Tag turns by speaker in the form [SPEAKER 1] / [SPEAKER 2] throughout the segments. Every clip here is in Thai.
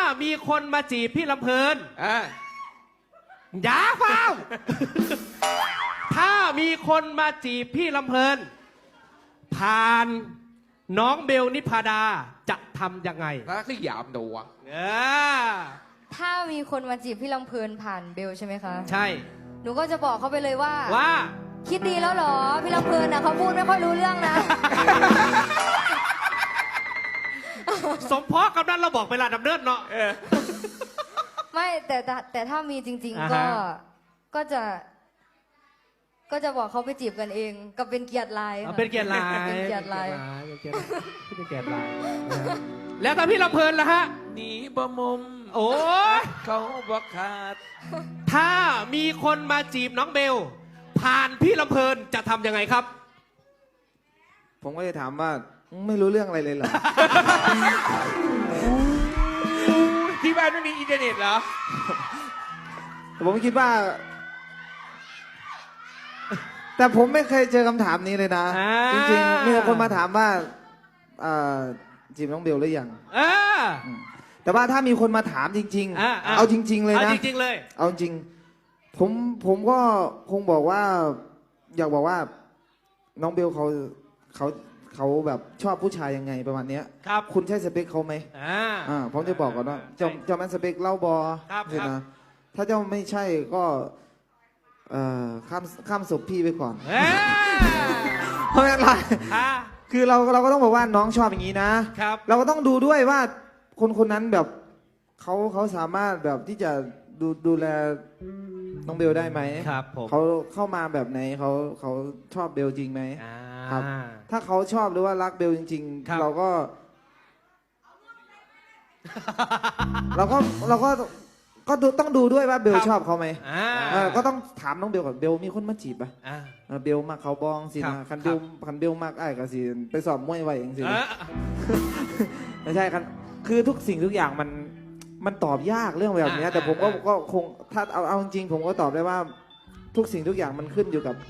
[SPEAKER 1] มีคนมาจีบพี่ลำเพลินอย่าเฝ้า ถ้ามีคนมาจีบพี่ลำเพลินผ่านน้องเบลนิพาดาจะทำยังไง
[SPEAKER 2] แล้วก็หยามดูอ่ะ
[SPEAKER 3] ถ้ามีคนมาจีบพี่ลำเพลินผ่านเบลใช่ไหมคะ
[SPEAKER 1] ใช่
[SPEAKER 3] หนูก็จะบอกเขาไปเลยว่าคิดดีแล้วเหรอพี่ลำเพลินนะเขาพูดไม่ค่อยรู้เรื่องนะ
[SPEAKER 1] สมพรกำนันเราบอกเวลาดำเนินเนาะ
[SPEAKER 3] ไม่แต่ถ้ามีจริงๆก็จะบอกเขาไปจีบกันเองก็เป็นเกียรติลาย
[SPEAKER 1] เป็นเกียรติลาย
[SPEAKER 3] เป็นเกียรติลาย
[SPEAKER 1] เป็นเกียรติลายแล้วถ้าพี่ลำเพลินล่ะฮะ
[SPEAKER 2] หนีบ่มุม
[SPEAKER 1] โอ้
[SPEAKER 2] เขาบอกขาด
[SPEAKER 1] ถ้ามีคนมาจีบน้องเบลผ่านพี่ลำเพลินจะทำยังไงครับ
[SPEAKER 4] ผมก็จะถามว่าไม่รู้เรื่องอะไรเลยเหรอ
[SPEAKER 2] ที่บ้านไม่มีอินเทอร์เน็ตเหรอ
[SPEAKER 4] แต่ผมคิดว่าแต่ผมไม่เคยเจอคำถามนี้เลยนะจริงๆมีคนมาถามว่าจีบน้องเบลหรือยังแต่ว่าถ้ามีคนมาถามจริงๆเอาจริงๆเลยนะ
[SPEAKER 1] เอาจริงๆเลย
[SPEAKER 4] เอาจริงผมก็คงบอกว่าอยากบอกว่าน้องเบลเขาแบบชอบผู้ชายยังไงประมาณนี้
[SPEAKER 1] ครับ
[SPEAKER 4] คุณใช่สเปคเขาไหมผมจะบอกก่อนว่าเจ้าแมนสเปคเล่าบอใช่ไหมถ้าเจ้าไม่ใช่ก็ข้ามศพพี่ไปก่อนเพราะอะไรคือเราก็ต้องบอกว่าน้องชอบอย่างนี้นะเราก็ต้องดูด้วยว่าคนนั้นแบบเขาสามารถแบบที่จะดูแลน้องเบลได้ไหม
[SPEAKER 1] ครับ
[SPEAKER 4] เขาเข้ามาแบบไหนเขาชอบเบลจริงไหมครับถ้าเขาชอบหรือว่ารักเบลจริงๆเราก็ต้องดูด้วยว่าเบลชอบเขาไหมก็ต้องถามน้องเบลก่อนเบลมีคนมาจีบป่ะเบลมากเขาบองสินะคันเบลมากไอ้ก็สิไปสอบมวยไว้เองสิไม่ใช่กันคือทุกสิ่งทุกอย่างมันตอบยากเรื่องแบบนี้แต่ผมก็คงถ้าเอาจริงผมก็ตอบได้ว่าทุกสิ่งทุกอย่างมันขึ้นอยู่กับ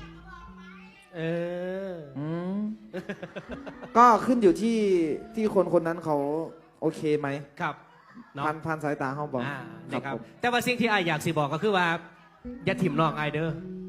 [SPEAKER 4] ก็ขึ้นอยู่ที่คนนั้นเขาโอเคไหม
[SPEAKER 1] ครับ
[SPEAKER 4] พันสายตาเขาบอก
[SPEAKER 1] นะครับแต่ว่าสิ่งที่ไออยากสิบอกก็คือว่าอย่าถิ่มน้องไอเด้อ